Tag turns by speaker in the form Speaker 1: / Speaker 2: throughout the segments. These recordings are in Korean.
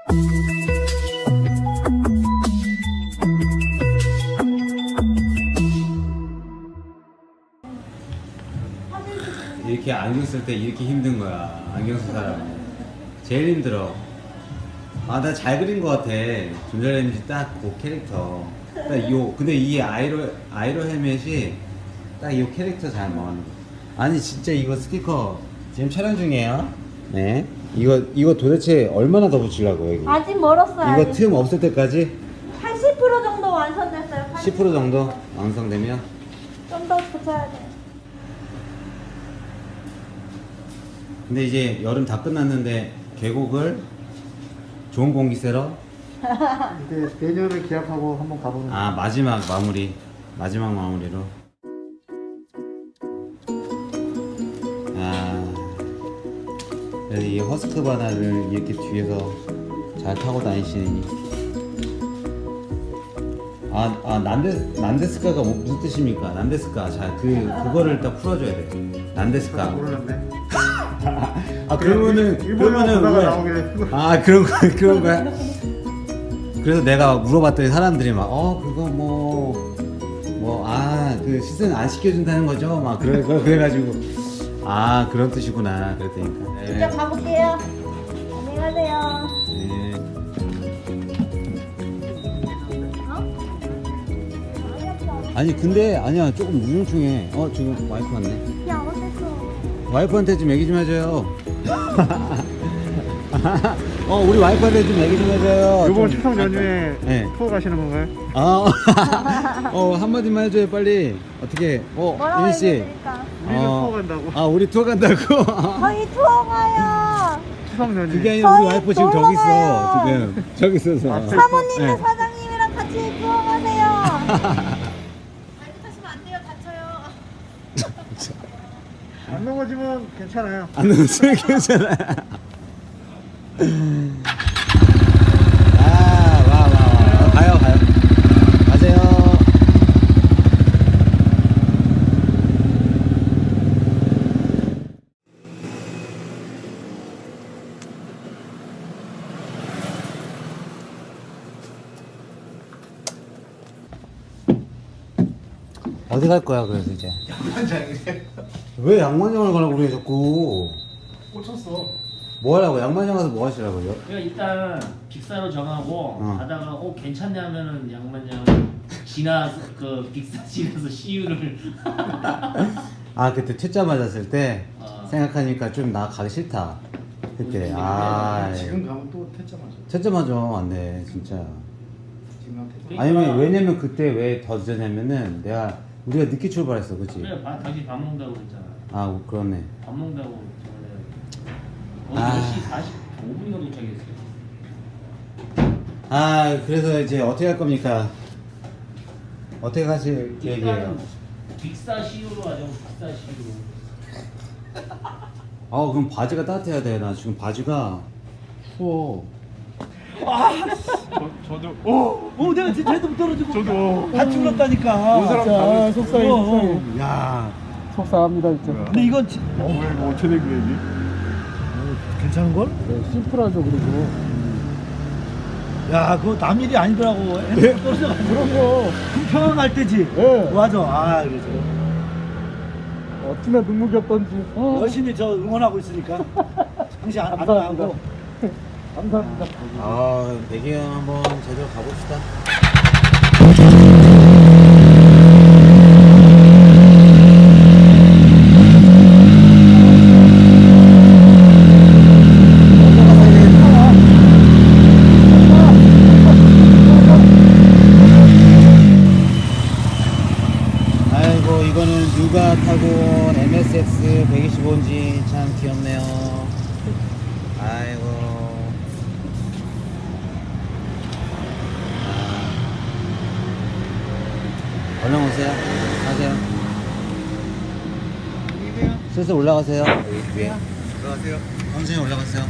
Speaker 1: 이렇게 안경 쓸 때 이렇게 힘든 거야. 안경 쓴 사람은 제일 힘들어. 아, 나 잘 그린 거 같아. 존잘레미지 딱 그 캐릭터. 딱 요, 근데 이 아이로 헬멧이 딱 이 캐릭터 잘 먹는 거. 아니 진짜 이거 스티커 지금 촬영 중이에요. 네. 이거 도대체 얼마나 더 붙이려고 여기?
Speaker 2: 아직 멀었어요.
Speaker 1: 이거 틈 없을 때까지
Speaker 2: 80% 정도 완성됐어요.
Speaker 1: 10% 정도 완성되면.
Speaker 2: 좀 더 붙여야 돼.
Speaker 1: 근데 이제 여름 다 끝났는데 계곡을 좋은 공기 쐬러
Speaker 3: 이제 내년을 기약하고 한번 가보는.
Speaker 1: 아 마지막 마무리로 아 그래서 이 허스크 바나를 이렇게 뒤에서 잘 타고 다니시니 난데스카가 무슨 뜻입니까? 난데스카 자 그거를 딱 풀어줘야 돼. 난데스카
Speaker 3: 모르는데.
Speaker 1: 그러면은
Speaker 3: 보다가
Speaker 1: 왜?
Speaker 3: 나오길래.
Speaker 1: 아 그런 거야? 그래서 내가 물어봤더니 사람들이 막 그거 그 시승 안 시켜준다는 거죠? 막 그래가지고 그런 뜻이구나 그랬다니까.
Speaker 2: 이제 가볼게요. 안녕히 가세요.
Speaker 1: 네. 아니 근데 아니야 조금 무중충해. 지금 와이프 왔네.
Speaker 2: 야, 어땠어?
Speaker 1: 와이프한테 좀 얘기 좀 해줘요. 우리 와이프한테 좀 얘기 좀 해줘요.
Speaker 3: 이번
Speaker 1: 좀
Speaker 3: 추석 연휴에
Speaker 1: 네.
Speaker 3: 투어 가시는 건가요?
Speaker 1: 한마디만 해줘요 빨리. 어떻게
Speaker 2: 뭐라고
Speaker 1: 유니 씨.
Speaker 2: 얘기해드릴까?
Speaker 3: 우리는 투어 간다고.
Speaker 1: 우리 투어 간다고.
Speaker 2: 저희 투어 가요.
Speaker 3: 추석 연휴.
Speaker 1: 그게 아니라 우리
Speaker 2: 저희
Speaker 1: 와이프 지금
Speaker 2: 투어
Speaker 1: 저기 있어.
Speaker 2: 가요.
Speaker 1: 지금 저기 있어서.
Speaker 2: 사모님과
Speaker 1: 네.
Speaker 2: 사장님이랑 같이 투어 가세요.
Speaker 3: 안 넘어지면 괜찮아요.
Speaker 1: 안 넘었으면 괜찮아. 와. 가요. 가세요. 어디 갈 거야 그래서 이제? 왜 양만장을 가려고 그래 자꾸?
Speaker 3: 꽂혔어.
Speaker 1: 뭐 하려고? 양만장 가서 뭐 하시라고요?
Speaker 4: 그러니까 일단 빅사로 정하고 가다가 괜찮냐면은 양만장 빅사 지나서 CU를
Speaker 1: 그때 퇴짜 맞았을 때
Speaker 4: 어.
Speaker 1: 생각하니까 좀 나 가기 싫다 그때.
Speaker 3: 지금 가면 또 퇴짜 맞아.
Speaker 1: 퇴짜 맞아 안돼 진짜.
Speaker 3: 지금 퇴짜.
Speaker 4: 그러니까.
Speaker 1: 왜냐면 그때 왜 더 늦었냐면은 우리가 늦게 출발했어 그치?
Speaker 4: 그래 당신 밥 먹는다고 그랬잖아.
Speaker 1: 그렇네.
Speaker 4: 밥 먹는다고 저번에 10시 45분인가 도착했어요.
Speaker 1: 그래서 이제 어떻게 할 겁니까? 어떻게 가실 계획이에요?
Speaker 4: 일단 빅사 CU로 하죠. 빅사 CU로.
Speaker 1: 그럼 바지가 따뜻해야 돼. 나 지금 바지가 추워.
Speaker 3: 저도
Speaker 5: 내가 제대로 떨어지고
Speaker 3: 저도
Speaker 5: 다 죽었다니까.
Speaker 3: 온 사람 다
Speaker 5: 속상해.
Speaker 1: 야
Speaker 5: 속상합니다 진짜. 근데 이건
Speaker 3: 왜 이거 어떻게 된 계획이?
Speaker 5: 괜찮은 걸? 심플하죠 그리고. 야 그거 남 일이 아니더라고. 떨어져가지고. 그럼요. 평양 갈 때지. 맞아. 그래서.
Speaker 3: 어찌나 눈물겹던지.
Speaker 5: 열심히 저 응원하고 있으니까. 당신 안 하고.
Speaker 3: 감사합니다.
Speaker 1: 배경 한번 제대로 가봅시다. 이거는 누가 타고 MSX 125인지 참 귀엽네요. 얼른 오세요. 가세요. 슬슬 올라가세요. 여기 위에.
Speaker 3: 올라가세요.
Speaker 1: 천천히 올라가세요.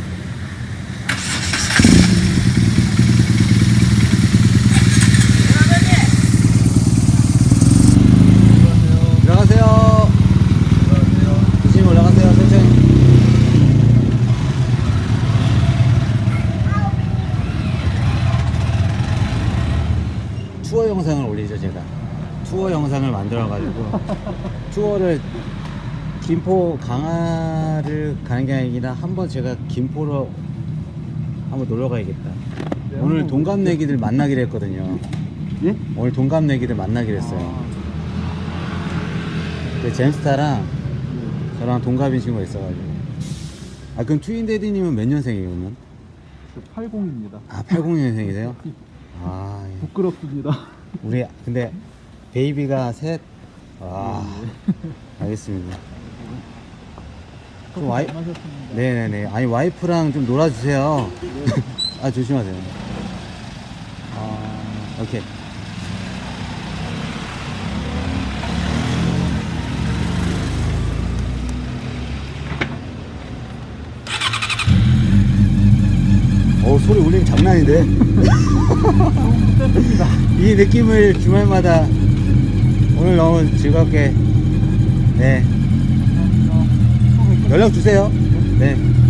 Speaker 1: 들어가세요. 조심히 올라가세요. 천천히. 영상을 올리죠 제가. 투어 영상을 만들어가지고 투어를 김포 강화를 가는 게 아니라 한번 제가 김포로 한번 놀러 가야겠다.
Speaker 3: 네,
Speaker 1: 오늘
Speaker 3: 한번
Speaker 1: 동갑내기들 만나기로 했거든요.
Speaker 3: 예?
Speaker 1: 오늘 동갑내기들 만나기로 했어요. 그 잼스타랑 저랑 동갑인 친구가 있어가지고. 아 그럼 트윈데디님은 몇 년생이에요 그러면?
Speaker 3: 80입니다.
Speaker 1: 아 80년생이세요? 아 예.
Speaker 3: 부끄럽습니다.
Speaker 1: 우리 근데 베이비가 셋. 아 알겠습니다. 좀 와이
Speaker 3: 하셨습니다.
Speaker 1: 네네네. 아니 와이프랑 좀 놀아주세요. 아 조심하세요. 아 오케이. 소리 울림 장난인데. 이 느낌을 주말마다 오늘 너무 즐겁게 네 연락 주세요. 네.